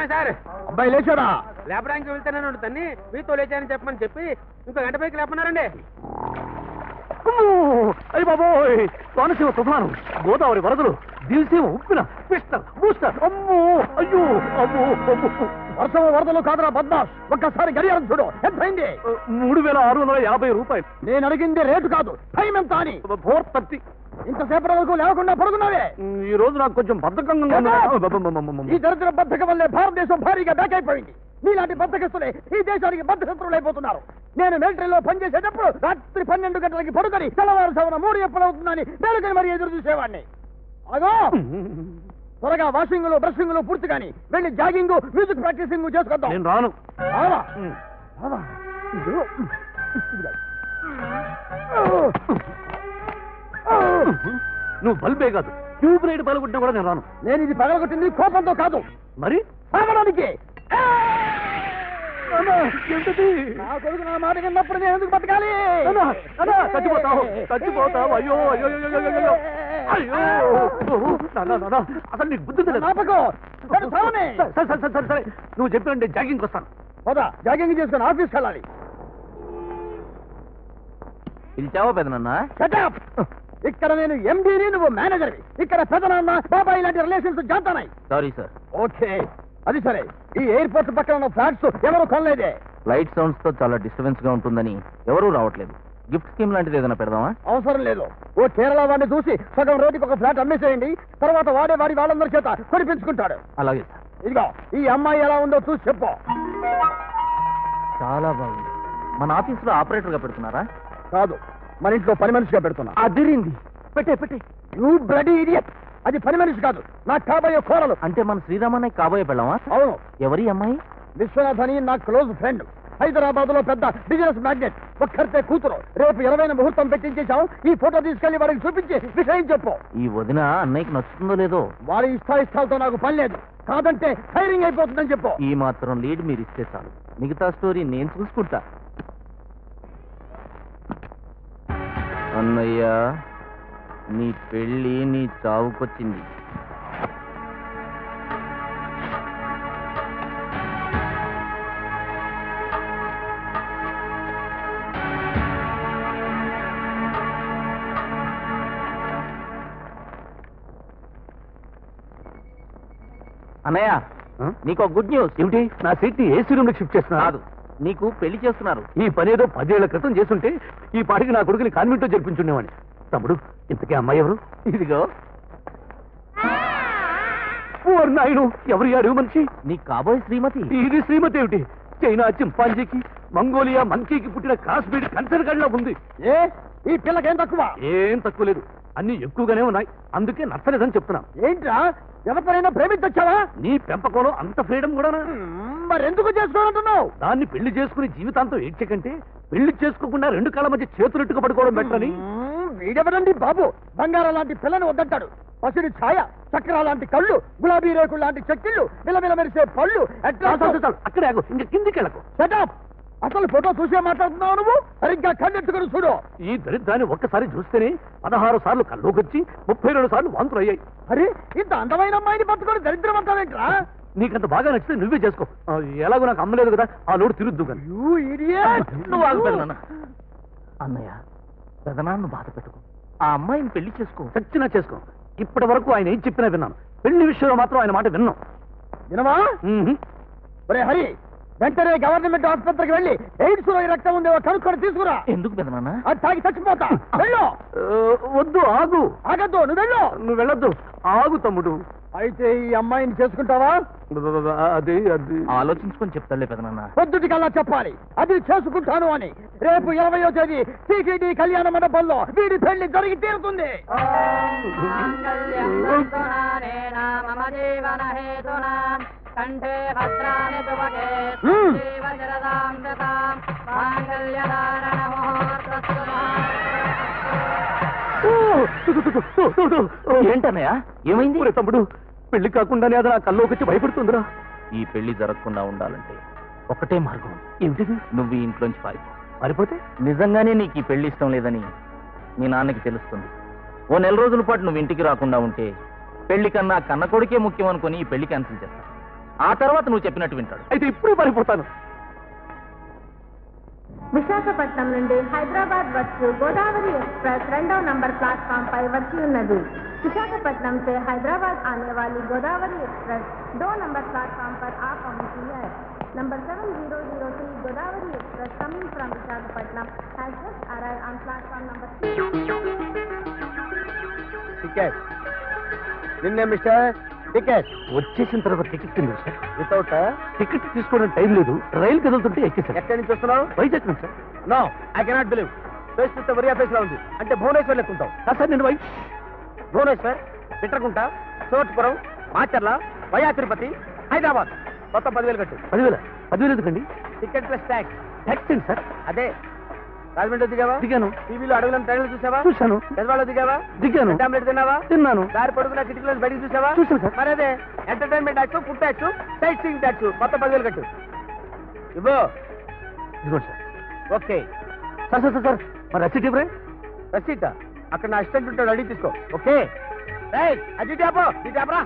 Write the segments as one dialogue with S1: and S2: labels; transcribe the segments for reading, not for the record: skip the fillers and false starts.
S1: Sir.
S2: అబ్బాయి లేచాడా?
S1: లేపడానికి వెళ్తానని తన్ని మీతో లేచానని చెప్పమని చెప్పి ఇంకో గంట పైకి లేపన్నారండి.
S2: అయ్యి బాబోయ్, కోనసీమ తుఫాను, గోదావరి వరదలు, దిల్సీమ ఉప్పిన, పిస్టర్ బూస్టర్, అమ్మో అయ్యో అమ్మో అమ్మో. వర్షం వరదలు కాదురా బద్మాష్, ఒక్కసారి గడియారం చూడు, ఎంతైంది? 3650 రూపాయలు. నేను అడిగింది రేటు కాదు, టైం ఎంత అని. 4:30. ఇంతసేపటి వరకు లేకుండా పడుకున్నావే. ఈ రోజు నాకు కొంచెం బద్ధకంగా ఉంది. ఈ దరిద్ర బద్ధకం వల్లే భారతదేశం భారీగా బ్యాక్ అయిపోయింది. నీలాంటి బద్ధకస్తులే ఈ దేశానికి బద్ధశత్రువులు అయిపోతున్నారు. నేను మిలిటరీలో పనిచేసేటప్పుడు రాత్రి 12 గంటలకి పడుకొని తెల్లవారుజామున 3 ఎప్పుడవుతుందని మేలుకొని మరీ ఎదురు చూసేవాడిని. అగో త్వరగా వాషింగ్ బ్రషింగ్ పూర్తి కానీ వెళ్ళి జాగింగ్ మ్యూజిక్ ప్రాక్టీసింగ్ చేసుకొద్దాం. నేను రాను. నువ్వు బల్బే కాదు, ట్యూబ్ లైట్ పగలగొట్టినా కూడా నేను రాను. నేను ఇది పగలగొట్టింది కోపంతో కాదు, మరి సాగడానికి. నా కొడుకు నా మాట విన్నప్పుడు నేను ఎందుకు బతకాలి? చచ్చిపోతావు చచ్చిపోతావు. అయ్యో అయ్యో అయ్యో అయ్యో, అసలు నీకు బుద్ధి సరే సరే, నువ్వు చెప్పినంటే జాగింగ్ వస్తాను. పోదా, జాగింగ్ చేసుకుని ఆఫీస్కి వెళ్ళాలి.
S3: పిలిచావా పెదనన్నా?
S2: ఇక్కడ నేను ఎండీని, నువ్వు మేనేజర్వి. ఇక్కడ పెదనాన్న బాబాయ్ ఇలాంటి రిలేషన్స్ జాతానాయి.
S3: Sorry sir.
S2: ఓకే, అది సరే. ఈ ఎయిర్పోర్ట్ పక్కన ఉన్న ఫ్లాట్స్ ఎవరు కొనలేదే.
S3: లైట్ సౌండ్స్ తో చాలా డిస్టర్బెన్స్ గా ఉంటుందని ఎవరూ రావట్లేదు. గిఫ్ట్ స్కీమ్ లాంటిది ఏదైనా పెడదామా?
S2: అవసరం లేదు. ఓ కేరళ వాడిని చూసి సగం రోడ్డుకి ఒక ఫ్లాట్ అమ్మేసేయండి, తర్వాత వాడే వాడి వాళ్ళందరి చేత కొనిపించుకుంటాడు.
S3: అలాగే సార్.
S2: ఇదిగో ఈ అమ్మాయి ఎలా ఉందో చూసి చెప్పు.
S3: చాలా బాగుంది. మన ఆఫీస్ లో ఆపరేటర్ గా పెడుతున్నారా?
S2: కాదు, మన ఇంట్లో పని మనిషిగా పెడుతున్నా.
S3: అదిరింది. పెట్టే పెట్టే.
S2: యూ బ్లడీ ఇడియట్, అది పని మనిషి కాదు, నాకు కాబోయే కోరలు.
S3: అంటే మన శ్రీరామన్నయ్య కాబోయే పెళ్ళామా?
S2: అవును.
S3: ఎవరి అమ్మాయి?
S2: విశ్వనాథ్ అని నా క్లోజ్ ఫ్రెండ్, హైదరాబాద్ లో పెద్ద బిజినెస్ మ్యాగ్నెట్, ఒక్కరితే కూతురు. రేపు 20న ముహూర్తం పెట్టించేశాం. ఈ ఫోటో తీసుకెళ్లి వాడికి చూపించి విషయం చెప్పు.
S3: ఈ వదిన అన్నయ్యకి నచ్చుతుందో లేదో?
S2: వారి ఇష్టాయిష్టాలతో నాకు పని లేదు, కాదంటే ఫైరింగ్ అయిపోతుందని చెప్పు.
S3: ఈ మాత్రం లీడ్ మీరు ఇస్తే చాలు, మిగతా స్టోరీ నేను చూసుకుంటా. అన్నయ్య, నీ పెళ్ళి నీ చావుకొచ్చింది. అన్నయ్య, నీకు గుడ్ న్యూస్.
S2: ఏమిటి? నా సీట్ ఏసీ రూమ్ లో షిఫ్ట్ చేస్తున్నా.
S3: కాదు, నీకు పెళ్లి చేస్తున్నారు.
S2: ఈ పని ఏదో 10 ఏళ్ల క్రితం చేస్తుంటే ఈ పాటికి నా కొడుకుని కాన్వెంట్ లో జరిపించుండేవాడిని. తమ్ముడు, ఇంతకీ అమ్మాయి ఎవరు?
S3: ఇదిగో.
S2: నాయుడు, ఎవరు యాడు మనిషి?
S3: నీ కాబోయే శ్రీమతి.
S2: ఇది శ్రీమతి ఏమిటి? చైనా చింపాంజీకి, మంగోలియా మంకీకి పుట్టిన క్రాస్ బ్రీడ్ కన్సర్ గడిలో ఉంది. ఈ పిల్లకేం తక్కువ? ఏం తక్కువ లేదు, అన్ని ఎక్కువగానే ఉన్నాయి. అందుకే నచ్చలేదని చెప్తున్నా. ఏంట్రా, ఎవరినైనా ప్రేమించొచ్చావా? నీ పెంపకంలో అంత ఫ్రీడమ్ కూడా మరెందుకు చేసుకోవాలంటున్నావు? దాన్ని పెళ్లి చేసుకుని జీవితాంతం ఏడ్చకంటే పెళ్లి చేసుకోకుండా 2 కాళ్ళ మధ్య చేతులెట్టుకు పడుకోవడం బెటరని. వీడెవడండి బాబు, బంగారం లాంటి పిల్లని వద్దంటాడు. పసిడి ఛాయ, చక్రాల లాంటి కళ్ళు, గులాబీ రేకులు లాంటి చెక్కిళ్ళు, విలవిల మెరిసే పళ్ళు. అక్కడే ఇంక కిందికి వెళ్ళకు. సెటప్. అసలు ఫోటో చూసే మాట్లాడుతున్నావు నువ్వు? సరిగ్గా కన్నెత్తుకుని చూడు. ఈ దరిద్రాన్ని ఒక్కసారి చూస్తేనే 16 సార్లు కల్లోకొచ్చి 32 సార్లు వాంతులు అయ్యాయి. అరే, ఇంత అందమైన అమ్మాయిని పట్టుకొని దరిద్రం అంటావేంట్రా? నీకంత బాగా నచ్చితే నువ్వే చేసుకో. ఎలాగో నాకు అమ్మలేదు కదా, ఆ లోడు తిరుద్దు కానీ.
S3: నువ్వు ఆగుతాను. అన్నయ్య, పెదనాన్ని బాధ పెట్టుకో. ఆ అమ్మాయిని పెళ్లి చేసుకో.
S2: చచ్చినా చేసుకో. ఇప్పటి వరకు ఆయన ఏం చెప్పినా విన్నాను, పెళ్లి విషయంలో మాత్రం ఆయన మాట విన్నాం. వినవా? ఒరే హరి, వెంటనే గవర్నమెంట్ ఆసుపత్రికి వెళ్ళి ఎయిడ్స్ లో రక్తం ఉందేవో కనుక్కొని తీసుకురా.
S3: ఎందుకు పెదనాన్న?
S2: అది తాగి చచ్చిపోతా. వెళ్ళు. వద్దు, ఆగు. ఆగద్దు, నువ్వు వెళ్ళు. నువ్వు వెళ్ళొద్దు, ఆగు తమ్ముడు. అయితే ఈ అమ్మాయిని చేసుకుంటావా? అది
S3: ఆలోచించుకొని చెప్తాలే పెదనాన్న.
S2: పొద్దుటికల్లా చెప్పాలి, అది చేసుకుంటాను అని. రేపు 20వ తేదీ టీటీడీ కళ్యాణ మండపంలో వీడి పెళ్లి జరిగి తీరుతుంది. కంఠే భద్రాని తువకే జీవజరదాం దతాం మాంగళ్యధారణ ముహూర్తస్తు.
S3: ఏంటన్నయ్య, ఏమైంది?
S2: తమ్ముడు, పెళ్లి కాకుండానే అది నా కల్లోకి వచ్చి భయపడుతుందిరా.
S3: ఈ పెళ్లి జరగకుండా ఉండాలంటే ఒకటే మార్గం.
S2: ఏమిటిది?
S3: నువ్వు ఈ ఇంట్లోంచి
S2: పారిపోతే
S3: నిజంగానే నీకు ఈ పెళ్లి ఇష్టం లేదని మీ నాన్నకి తెలుస్తుంది. ఓ 4 రోజుల పాటు నువ్వు ఇంటికి రాకుండా ఉంటే పెళ్లి కన్నా కన్న కొడుకే ముఖ్యం అనుకుని ఈ పెళ్లి క్యాన్సిల్ చేస్తాను. ఆ తర్వాత నువ్వు చెప్పినట్టు వింటాడు.
S2: అయితే ఇప్పుడే పారిపోతాను.
S4: విశాఖపట్నం నుండి హైదరాబాద్ వచ్చు గోదావరి एक्सप्रेस 2వ నంబర్ प्लेटफॉर्म పై వచ్చి ఉన్నది. विशाखापट्टनम से हैदराबाद आने वाली गोदावरी एक्सप्रेस 2 नंबर प्लेटफॉर्म पर आ पहुंची है. Number 7003 Godavari express coming from Visakhapatnam has just arrived on platform number 3.
S1: Ticket నిన్నే మిస్టర్ టికెట్
S2: వచ్చేసిన తర్వాత టికెట్ తింది సార్.
S1: వితౌట్
S2: టికెట్ తీసుకోవడం టైం లేదు. రైలు కదులుతుంటే ఎక్కేసాను.
S1: ఎక్కడి నుంచి వస్తున్నావు?
S2: వైజాగ్ నుంచి sir.
S1: No I cannot believe. Face చూస్తే వరియా ఫేస్ లా ఉంది. అంటే భువనేశ్వర్ లెక్కుంటావు.
S2: సార్ నేను
S1: భువనేశ్వర్, పిట్రకుంట, చోట్పురం, మాచర్ల, వయా తిరుపతి, హైదరాబాద్ మొత్తం 10,000 కట్టు.
S2: 10,000 ఎందుకండి?
S1: Ticket plus tax.
S2: ట్యాక్స్ ఏంటి సార్?
S1: అదే రాజమండ్రి దిగావా?
S2: దిగాను.
S1: టీవీలో అడవులను ట్రైన్లు చూసావా?
S2: చూశాను.
S1: గజవాడలో దిగావా?
S2: దిగాను.
S1: టాబ్లెట్ తిన్నావా?
S2: తిన్నాను.
S1: దారి పడుకున్న కిటికీలో బయటికి చూసావా?
S2: చూశాను సార్.
S1: మరి అదే entertainment tax, food tax, sightseeing tax మొత్తం 10,000 కట్టు. ఇవ్వు.
S2: ఇదిగోండి sir.
S1: Okay
S2: sir sir sir sir మరి రసీట్ ఇవ్వరే?
S1: రసీటా? అక్కడ నా అసిస్టెంట్ ఉంటాడు, అడిగి తీసుకో. ఓకే అది ట్యాపో ఈ ట్యాపరా.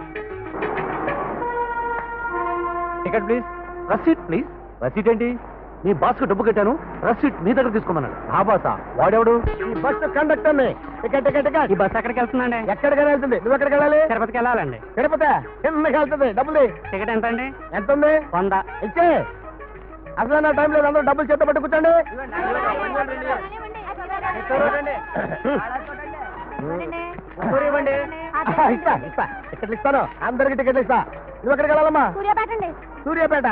S2: Ticket please. Receipt please. Receipt ఏంటి? మీ బాస్ కు డబ్బు కట్టాను, రసీట్ మీ దగ్గర తీసుకోమన్నాడు.
S1: ఆ బాసా? వాడెవడు? ఈ బస్సు కండక్టర్ ని. Ticket ticket ticket.
S3: ఈ బస్ ఎక్కడికి వెళ్తుందండి?
S1: ఎక్కడికైనా వెళ్తుంది. నువ్వు ఎక్కడికి వెళ్ళాలి?
S3: తిరుపతికి వెళ్ళాలండి.
S1: తిరుపతి కిందకి వెళ్తుంది. డబ్బులు
S3: టికెట్ ఎంత అండి?
S1: ఎంత ఉంది?
S3: 100.
S1: ఇచ్చే. అసలు నా టైం లేదు. అందరూ డబ్బులు చేత పట్టు కూర్చోండి. ఇస్తా ఇస్తా టికెట్లు ఇస్తాను. అందరికి టికెట్లు ఇస్తా. నువ్వు ఎక్కడికి వెళ్ళాలమ్మా?
S4: సూర్యాపేట అండి.
S1: సూర్యాపేట.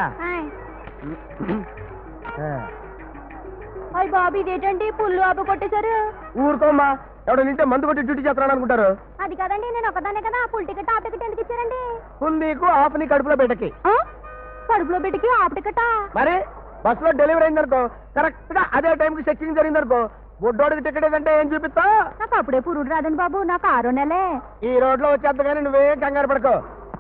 S4: అయ్య బాబు ఇదేంటండి పుల్లు ఆపు కొట్టేశారు.
S1: ఊరుకోమ్మా. ఎవడో నింటే మందు కొట్టి డ్యూటీ చేస్తున్నాడు అనుకుంటారు.
S4: అది కదండి, నేను ఒకదానే కదా. ఫుల్ టికెట్ హాఫ్ టికెట్ ఎందుకు ఇచ్చారండి?
S1: ఫుల్ నీకు హాఫ్ నీ కడుపులో పెట్టకి.
S4: కడుపులో పెట్టికి హాఫ్ టికెటా?
S1: మరి బస్సులో డెలివరీ అయిందనుకో, కరెక్ట్ గా అదే టైంకి చెక్కింగ్ జరిగిందనుకో, బొడ్డోడికి టికెట్ ఏదంటే ఏం చూపిస్తా?
S4: నాకు అప్పుడే పురుడు రాదండి బాబు, నాకు 6 నెలే.
S1: ఈ రోడ్ లో వచ్చేద్ద కానీ నువ్వేం కంగారు పడుకో.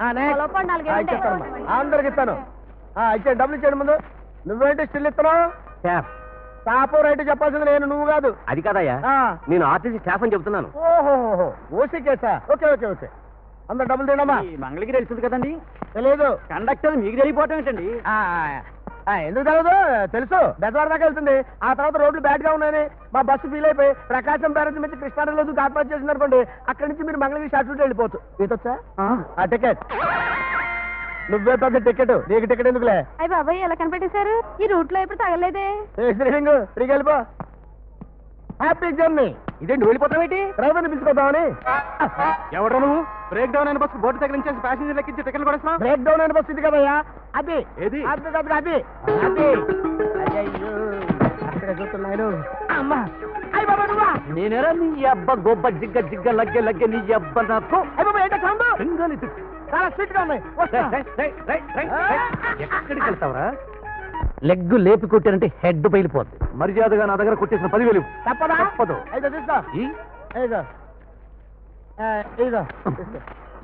S1: అందరికి ఇస్తాను. ఇచ్చే డబ్బులు ఇచ్చేయండి ముందు. నువ్వేంటి స్టిల్ ఇస్తున్నావు? టాపు రైట్ చెప్పాల్సింది నేను, నువ్వు కాదు.
S2: అది కాదయ్యా, నేను ఆర్టీసీ స్టాఫ్ అని చెప్తున్నాను.
S1: ఓహో ఓసీ కేసా? Okay okay okay. అందరు డబ్బులు తినమ్మా.
S3: మంగళగిరి వెళ్తుంది కదండి.
S1: తెలియదు.
S3: కండక్టర్ మీకు తెలియపోవటం ఏంటండి?
S1: ఎందుకు తెలియదు? తెలుసు. బెజవాడ దాకా వెళ్తుంది. ఆ తర్వాత రోడ్లు బ్యాడ్ గా ఉన్నాయని మా బస్సు ఫీల్ అయిపోయి ప్రకాశం బ్యారేజ్ నుంచి కృష్ణానదిలో ఆత్మహత్య చేసింది అనుకోండి. అక్కడి నుంచి మీరు మంగళగిరి షార్ట్ రూట్ వెళ్ళిపోవచ్చు. ఈతొచ్చా? ఆ టికెట్ నువ్వే పెద్ద టికెట్. నీకు టికెట్ ఎందుకులే?
S4: అయ్యి బాబాయ్ ఎలా కనిపెట్టేశారు? ఈ రూట్ లో ఎప్పుడు తగలేదే.
S1: శ్రీలింగ్ తిరిగి వెళ్ళిపో. Happy journey.
S2: ఇదేంటి వెళ్ళిపోతావేంటి?
S1: డ్రైవర్ని పిలుచుకోద్దామని.
S2: ఎవడో నువ్వు? బ్రేక్ డౌన్ అయిన బస్సు బోర్డు తగిలించేసి ప్యాసింజర్ లెక్కించి టికెట్లు కూడా ఇస్తున్నావు?
S1: బ్రేక్ డౌన్ అయిన బస్సు ఇది కదయ్యా. అది
S2: ఏది?
S1: అది అది అది అది. అయ్యో అక్కడ చూస్తున్నాను. అమ్మా అయ్యి బాబా నువ్వా?
S2: నేనేరా నీ అబ్బ గొబ్బ జిగ్గ జిగ్గ లగ్గె లగ్గె నీ అబ్బ నాకు.
S1: అయ్యి బాబా ఏంటో సౌండ్?
S2: సింగాలి
S1: చాలా స్వీట్ గా ఉన్నాయి. వస్తా.
S2: ఎక్కడికి వెళ్తావరా? లెగ్ లేపి కొట్టారంటే హెడ్ బయలిపోద్ది. మర్యాదగా నా దగ్గర కొట్టేసిన 10,000
S1: తప్పదా?
S2: తప్పదు.
S1: అయితే తీసుకో. ఇదిగో ఇదిగో తీసుకో.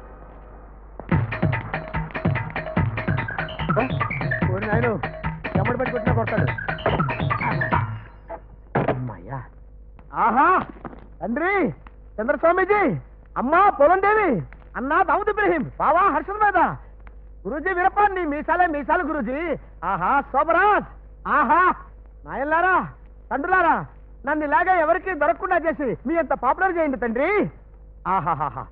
S1: నాయను ఎమ్మడి పెట్టి కొట్టినా కొడతాడు. అమ్మాయ్యా. ఆహా తండ్రి చంద్రస్వామీజీ, అమ్మా పొలం దేవి, అన్నా దావుద్ ఇబ్రహీం, బావా హర్షద్ మీద, గురూజీ వీరప్పండి మీసాలే మీసాలు గురూజీ. ఆహా శోభరాజ్. ఆహా నాయన్లారా తండ్రులారా, నన్ను ఇలాగే ఎవరికి దొరకకుండా చేసి మీ అంత పాపులర్ చేయండి తండ్రి. ఆహాహాహా.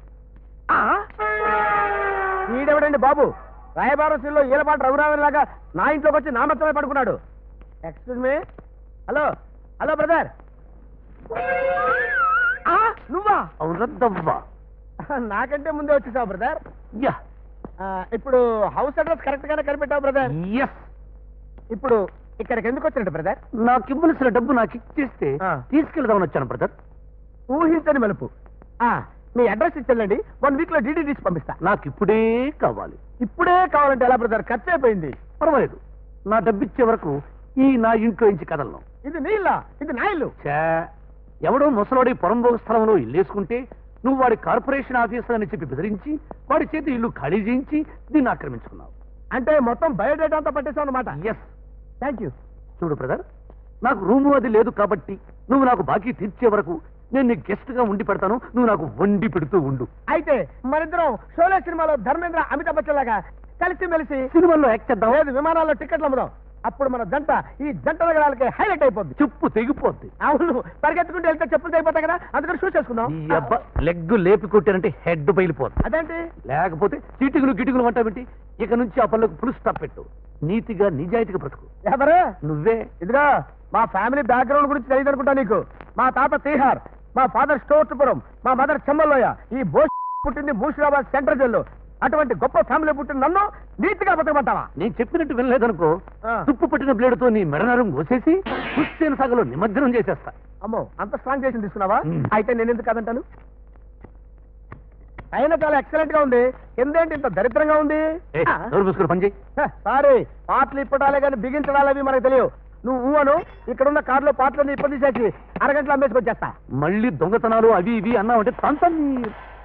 S1: ఈడెవడండి బాబు? రాయబారసీల్లో ఈలపాటి రఘురామన్ లాగా నా ఇంట్లోకి వచ్చి నా మెత్తమే పడుకున్నాడు. Excuse me. Hello hello brother. నువ్వా?
S2: అవునద్దవ్వా.
S1: నాకంటే ముందే వచ్చేసావు బ్రదర్.
S2: యా.
S1: ఇప్పుడు హౌస్ అడ్రస్ కరెక్ట్ గానే కనిపెట్టావు బ్రదర్.
S2: ఎస్.
S1: ఇప్పుడు ఇక్కడికి ఎందుకు వచ్చినట్టు బ్రదర్?
S2: నాకు ఇవ్వలసిన డబ్బు నాకు ఇచ్చేస్తే తీసుకెళ్దామని వచ్చాను బ్రదర్.
S1: ఊహించని మలుపు. మీ అడ్రస్ ఇచ్చేళ్ళండి, 1 వీక్ లో డీడీ తీసి పంపిస్తా.
S2: నాకు ఇప్పుడే కావాలి.
S1: ఇప్పుడే కావాలంటే ఎలా బ్రదర్? ఖర్చు అయిపోయింది.
S2: పర్వాలేదు, నా డబ్బు ఇచ్చే వరకు ఈ నా ఇంట్లో ఇంచి కదలను.
S1: ఇది నీ ఇల్లా? ఇది నా ఇల్లు.
S2: ఎవడో ముసలోడి పొరంబోగ స్థలంలో ఇల్లేసుకుంటే నువ్వు వాడి కార్పొరేషన్ ఆఫీసర్ అని చెప్పి బెదిరించి వాడి చేతి ఇల్లు ఖాళీ చేయించి దీన్ని ఆక్రమించుకున్నావు.
S1: అంటే మొత్తం బయోడేటా అంతా పట్టేసావు అన్నమాట.
S2: ఎస్.
S1: Thank you.
S2: చూడు బ్రదర్, నాకు రూము అది లేదు కాబట్టి నువ్వు నాకు బాకీ తీర్చే వరకు నేను నీ గెస్ట్ గా ఉండి పెడతాను. నువ్వు నాకు వండి పెడుతూ ఉండు.
S1: అయితే మరిద్దరం షోలే సినిమాలో ధర్మేంద్ర అమితాబ్ బచ్చన్ లాగా కలిసి మెలిసి
S2: సినిమాల్లో యాక్ట్ చేద్దాం.
S1: లేదు విమానాల్లో టికెట్లు అమ్ముదాం. అప్పుడు మన జంట ఈ జంట నగరాలకి హైలైట్ అయిపోద్ది.
S2: చెప్పు తెగిపోద్ది.
S1: అవును, పరిగెత్తుకుంటూ వెళ్తే చెప్పులు తెగిపోతాయి కదా, అందుకని షూ చేసుకుందాం.
S2: ఈ అబ్బా లెగ్గు లేపి కొట్టారంటే హెడ్ బయలిపోద్ది.
S1: అదేంటి?
S2: లేకపోతే చీటికులు గిటికులు అంటాబెట్టి ఇక నుంచి ఆ పనులకు ఫుల్ స్టాప్ పెట్టు. నీతిగా నిజాయితీగా బ్రతుకు.
S1: ఎవరు?
S2: నువ్వే.
S1: ఇదిగా మా ఫ్యామిలీ బ్యాక్గ్రౌండ్ గురించి తెలియదు అనుకుంటా నీకు. మా తాత తీహార్, మా ఫాదర్ స్టోర్పురం, మా మదర్ చెమ్మల్లోయ, ఈ బోస్ పుట్టింది మూషిరాబాద్ సెంట్రల్ జైల్లో. అటువంటి గొప్ప ఫ్యామిలీ పుట్టిన నన్ను నీతిగా బతకమంటావా?
S2: నేను చెప్పినట్టు వినలేదనుకో,
S1: ఆ.
S2: తుప్పు పట్టిన బ్లేడుతో నీ మెడనరం కోసేసి హుస్సేన్ సాగలో నిమజ్జనం చేసేస్తా.
S1: అమ్మో, అంత స్ట్రాంగ్ చేసి తీసుకున్నావా?
S2: మ్.
S1: అయితే నేను ఎందుకు కాదంటాను? అయినా చాలా ఎక్సలెంట్ గా ఉంది. కిందేంటి ఇంత దరిద్రంగా ఉంది?
S2: ఏ, నోరు మూసుకుని పని చేయి.
S1: సారీ, పాటలు ఇప్పటాలే కానీ బిగించడాలు అవి మనకు తెలియవు. నువ్వు ఊహను ఇక్కడున్న కారులో పాటలన్నీ ఇప్పటి తీసేసి అరగంటలో అమ్మేసుకొచ్చేస్తా.
S2: మళ్ళీ దొంగతనాలు అవి ఇవి అన్నావంటే తంతని